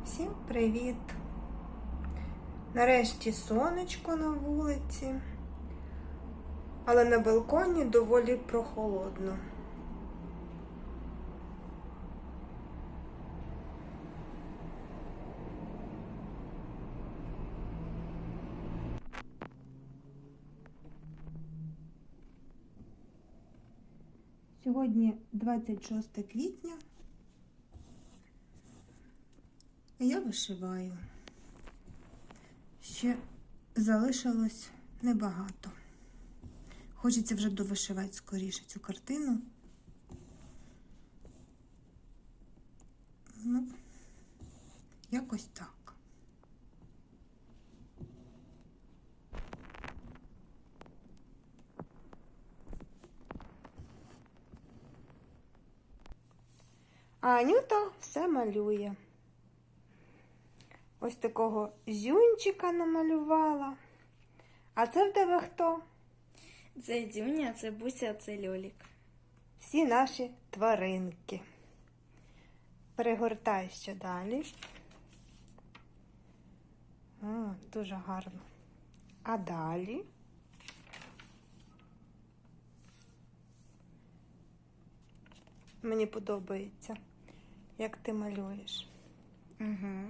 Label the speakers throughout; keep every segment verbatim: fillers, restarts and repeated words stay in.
Speaker 1: Всім привіт! Нарешті сонечко на вулиці, але на балконі доволі прохолодно. Сьогодні двадцять шосте квітня. Я вишиваю. Ще залишилось небагато. Хочеться вже довишивати скоріше цю картину. Ну, якось так. А Анюта все малює. Ось такого зюнчика намалювала. А це в тебе хто?
Speaker 2: Це Дюня, це Буся, це Льолік.
Speaker 1: Всі наші тваринки. Перегортай ще далі. О, дуже гарно. А далі? Мені подобається, як ти малюєш.
Speaker 2: Угу.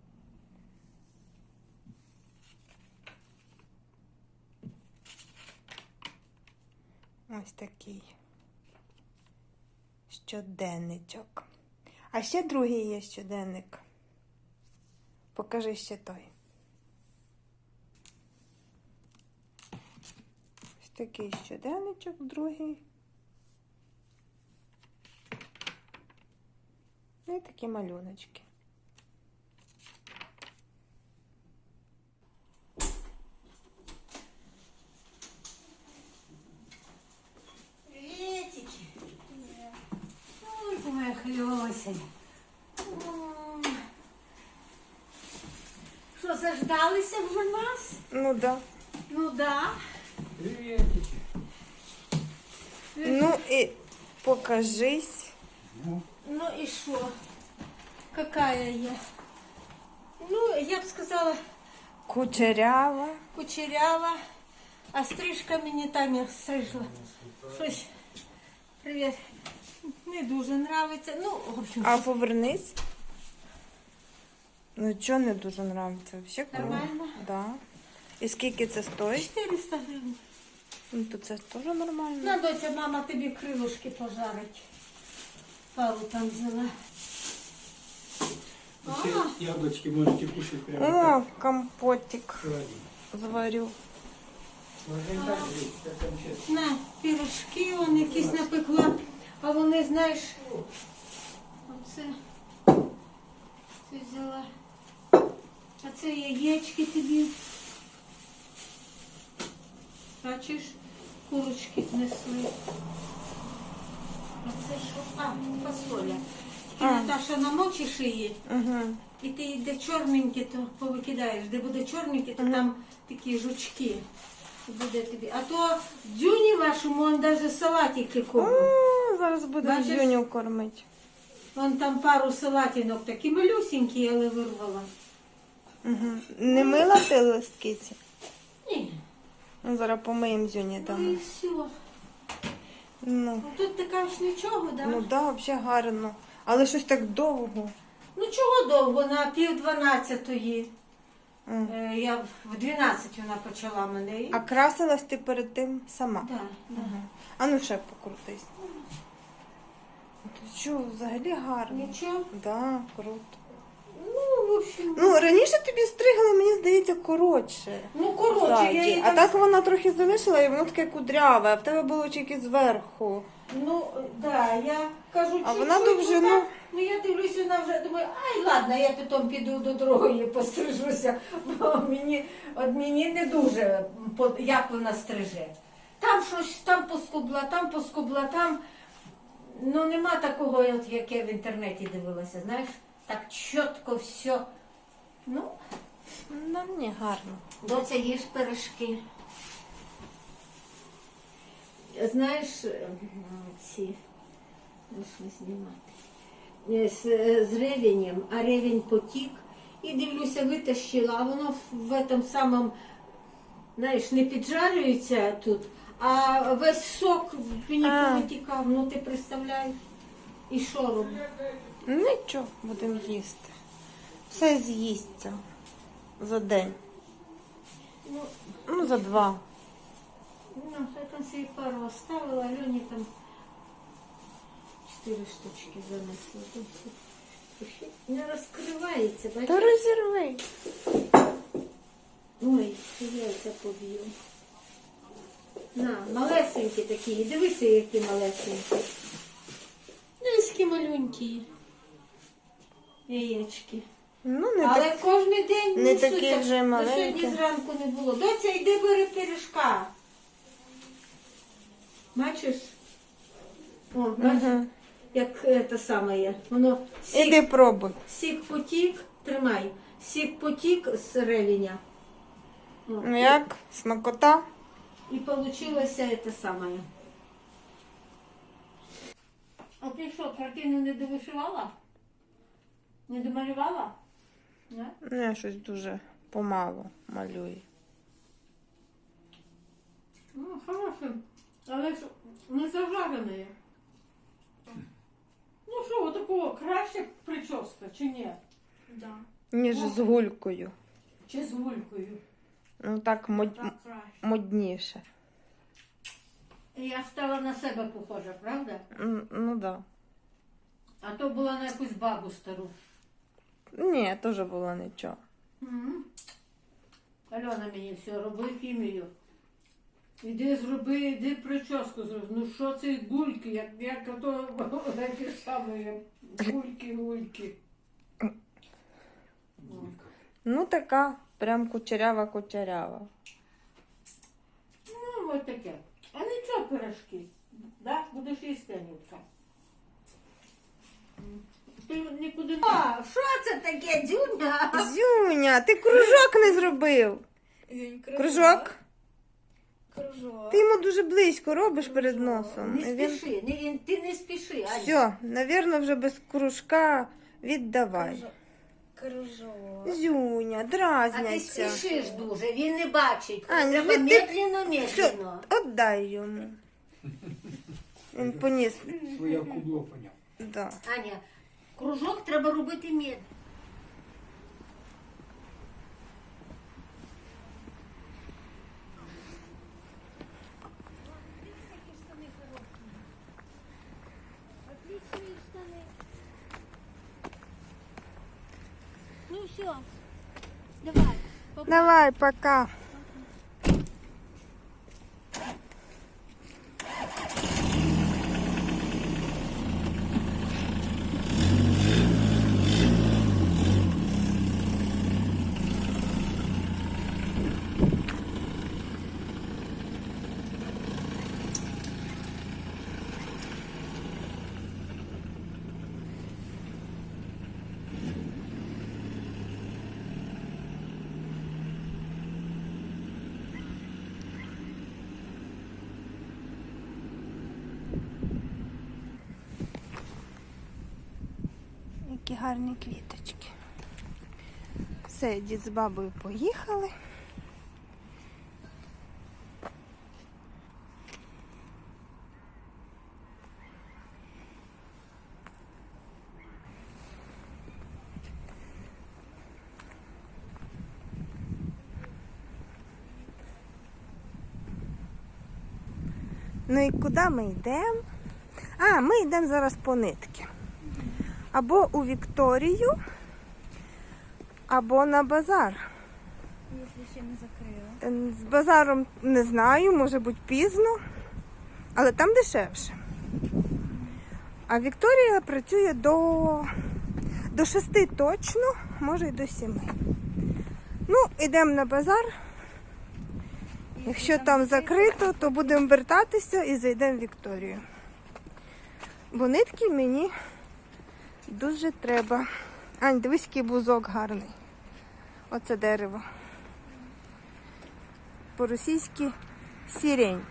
Speaker 1: Ось такий щоденничок. А ще другий є щоденник. Покажи ще той. Ось такий щоденничок, другий. Ну і такі малюночки.
Speaker 3: Моя Хльося. Що, заждалися вже нас?
Speaker 1: Ну да.
Speaker 3: Ну да.
Speaker 4: Приветики.
Speaker 1: Ну і покажись.
Speaker 3: Ну і що? Какая я? Ну, я б сказала,
Speaker 1: Кучерява.
Speaker 3: кучерява, а стрижка мені Таня стрижла. Щось. Привіт. Не дуже нравиться. Ну, в общем,
Speaker 1: А повернись. Ну чого не дуже нравиться? Вообще круто.
Speaker 3: Нормально?
Speaker 1: Да. І скільки це стоїть?
Speaker 3: чотириста гривень.
Speaker 1: Ну то це теж нормально.
Speaker 3: На, доця, мама тобі крилушки пожарить. Пару там взяла.
Speaker 4: Все
Speaker 3: А.
Speaker 4: яблочки можете кушать прямо
Speaker 1: О,
Speaker 4: так.
Speaker 1: компотик
Speaker 4: Холодильник.
Speaker 1: зварю.
Speaker 4: Можно и так жить, как там сейчас.
Speaker 3: На, пірожки вон якісь напекла. А вони, знаєш, оце, це взяла. А це яєчки тобі. Бачиш, курочки знесли. А це що? А, фасоля. Тільки
Speaker 1: А.
Speaker 3: Наташа намочиш її,
Speaker 1: Угу.
Speaker 3: і ти де чорненькі, то повикидаєш. Де буде чорненькі, то там такі жучки. Буде тобі. А то дзюні вашому, он навіть салатики кормить.
Speaker 1: О, зараз будемо
Speaker 3: Бачиш?
Speaker 1: Зюню кормити.
Speaker 3: Вон там пару салатинок, такі малюсенькі, але вирвала.
Speaker 1: Угу. Не мила ти листкиці?
Speaker 3: Ні,
Speaker 1: Ну, зараз помиємо Зюні
Speaker 3: ну і
Speaker 1: там.
Speaker 3: все.
Speaker 1: Ну,
Speaker 3: Ну тут така ж нічого, да?
Speaker 1: ну да, взагалі гарно. Але щось так довго.
Speaker 3: Ну чого довго, на пів дванадцятої.
Speaker 1: М.
Speaker 3: Е, я в дванадцять вона почала мене. І...
Speaker 1: А красилась ти перед тим сама?
Speaker 3: Да, да.
Speaker 1: А ну ще покрутись. Ти що, взагалі гарно?
Speaker 3: Нічого?
Speaker 1: Да, круто.
Speaker 3: Ну, в общем.
Speaker 1: Ну, раніше тобі стригли, мені здається, коротше.
Speaker 3: Ну, коротше,
Speaker 1: ззаді.
Speaker 3: я її
Speaker 1: А так вона трохи залишила і воно таке кудряве, а в тебе було тільки зверху.
Speaker 3: Ну, да, я кажу,
Speaker 1: А
Speaker 3: чуть-чуть,
Speaker 1: вона довжину-
Speaker 3: ну, так, ну я дивлюсь, вона вже думаю, ай, ладно, я потім піду до другої пострижуся, бо мені, от мені не дуже, по- як вона стриже. Там щось, там поскубла, там поскубла, там, ну нема такого, от, як я в інтернеті дивилася, знаєш, так чітко все. Ну,
Speaker 1: Ну, не гарно.
Speaker 3: доця, їж пиріжки. Знаєш, е, ці, можна знімати, з, з ревенем, а ревень потік, І дивлюся, витащила, а воно в этом самому, знаєш, не піджарюється тут, а весь сок мені
Speaker 1: А.
Speaker 3: повитікав, ну ти представляєш? І що роблю?
Speaker 1: Нічого, будемо їсти. Все з'їсться за день.
Speaker 3: Ну,
Speaker 1: Ну, за два.
Speaker 3: ну, я там собі пару оставила, Альоні там чотири штучки занесла. Тут все не розкривається,
Speaker 1: Та
Speaker 3: бачиш?
Speaker 1: розірви.
Speaker 3: Ой, яйця поб'ю. На, малесенькі такі. Дивися, які малесенькі. Дивись, які малюнькі. Яєчки.
Speaker 1: Ну, не
Speaker 3: Але
Speaker 1: так.
Speaker 3: кожен день
Speaker 1: не
Speaker 3: несуться.
Speaker 1: такі вже
Speaker 3: До
Speaker 1: маленькі.
Speaker 3: сьогодні зранку не було. Доця, йди бери пиріжка. Бачиш? О, бачиш,
Speaker 1: Угу.
Speaker 3: як це саме є. Воно сік,
Speaker 1: Іди пробуй.
Speaker 3: сік потік, тримай. Сік потік з ревеня. О,
Speaker 1: Ну як? Смакота?
Speaker 3: І получилося це саме. А ти що, картину не довишивала? Не домалювала? Не?
Speaker 1: Ну, я щось дуже помало малюю.
Speaker 3: Ну, хороше. Але ж не зажарене. Ну що, отакого краще прическа, чи ні?
Speaker 2: Да.
Speaker 1: Ніж з гулькою.
Speaker 3: Чи з гулькою?
Speaker 1: Ну так мод...
Speaker 2: Так краще.
Speaker 1: модніше.
Speaker 3: Я стала на себе похожа, правда?
Speaker 1: М, Ну да.
Speaker 3: А то була на якусь бабу стару.
Speaker 1: Ні, теж було нічого.
Speaker 3: Мгм. Альона мені все, роби хімію. Іди зроби, іди прическу зроби. Ну що це гульки, як, як ото такі самі гульки, гульки.
Speaker 1: Ну така, прям кучерява-кучерява.
Speaker 3: Ну, ось таке. А нічого пирожки. Да? Будеш їсти, Анютка. Ти нікуди не... А, що це таке, Дзюня?
Speaker 1: Зюня, ти кружок не зробив.
Speaker 2: Зінь,
Speaker 1: Кружок?
Speaker 2: Кружок.
Speaker 1: Ти йому дуже близько робиш перед носом.
Speaker 3: Не
Speaker 1: І він...
Speaker 3: спіши, не, ти не спіши, Аня.
Speaker 1: Все, навірно, вже без кружка віддавай.
Speaker 2: Кружок. Кружок.
Speaker 1: Зюня,
Speaker 3: А ти
Speaker 1: дразняйся.
Speaker 3: спішиш дуже, він не бачить.
Speaker 1: Аня,
Speaker 3: Треба
Speaker 1: ви ти-
Speaker 3: медленно,
Speaker 1: Все,
Speaker 3: медленно.
Speaker 1: отдай йому. Він поніс.
Speaker 4: Своє кубло поняв.
Speaker 1: Да.
Speaker 3: Аня, кружок треба робити медленно.
Speaker 2: Ну все. Давай.
Speaker 1: Давай, пока. Які гарні квіточки. Все, дід з бабою поїхали. Ну і куди ми йдемо? А, ми йдемо зараз по нитки. Або у Вікторію, або на базар.
Speaker 2: Якщо ще не закрила.
Speaker 1: Е, З базаром не знаю, може бути пізно, але там дешевше. А Вікторія працює до, до шести точно, може й до сіми. Ну, йдемо на базар. Якщо там закрито, то будемо вертатися і зайдемо в Вікторію. Бо нитки мені дуже треба. Ань, дивись, який бузок гарний. Оце дерево. По-російськи сирень.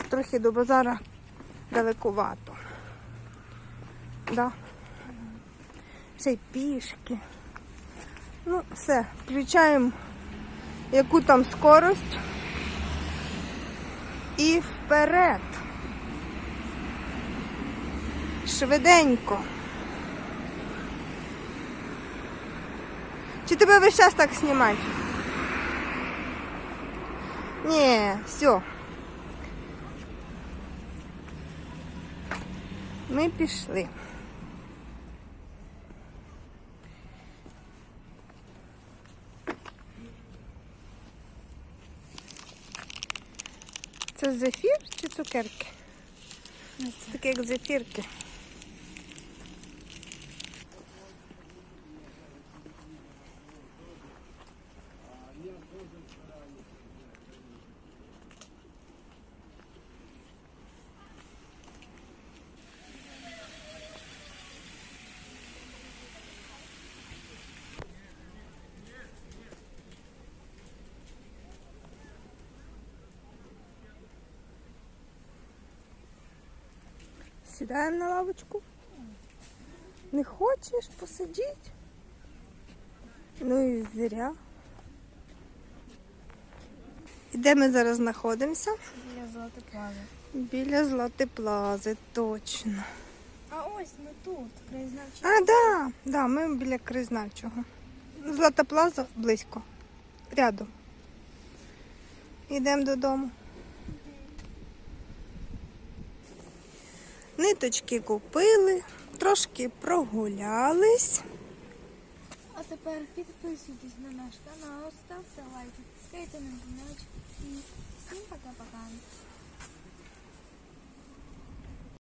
Speaker 1: трохи до базара далекувато. Да. Ще й пішки. Ну, все, включаємо яку там скорость і вперед. Швиденько. Чи тебе весь час так знімати? Ні, все. Ми пішли. Це зефір чи цукерки? Це таке як зефірки. Сідаємо на лавочку. Не хочеш посидіти? Ну і зря. І де ми зараз знаходимося?
Speaker 2: Біля золота плази.
Speaker 1: Біля Злати Плази, точно.
Speaker 2: А ось ми тут, краєзнавчий.
Speaker 1: А, да, да, ми біля краєзнавчого. Злата Плаза близько. Рядом. Йдемо додому. Ниточки купили, трошки прогулялись.
Speaker 2: А тепер підписуйтесь на наш канал, ставте лайки, тискайте на дзвіночок і всім пока.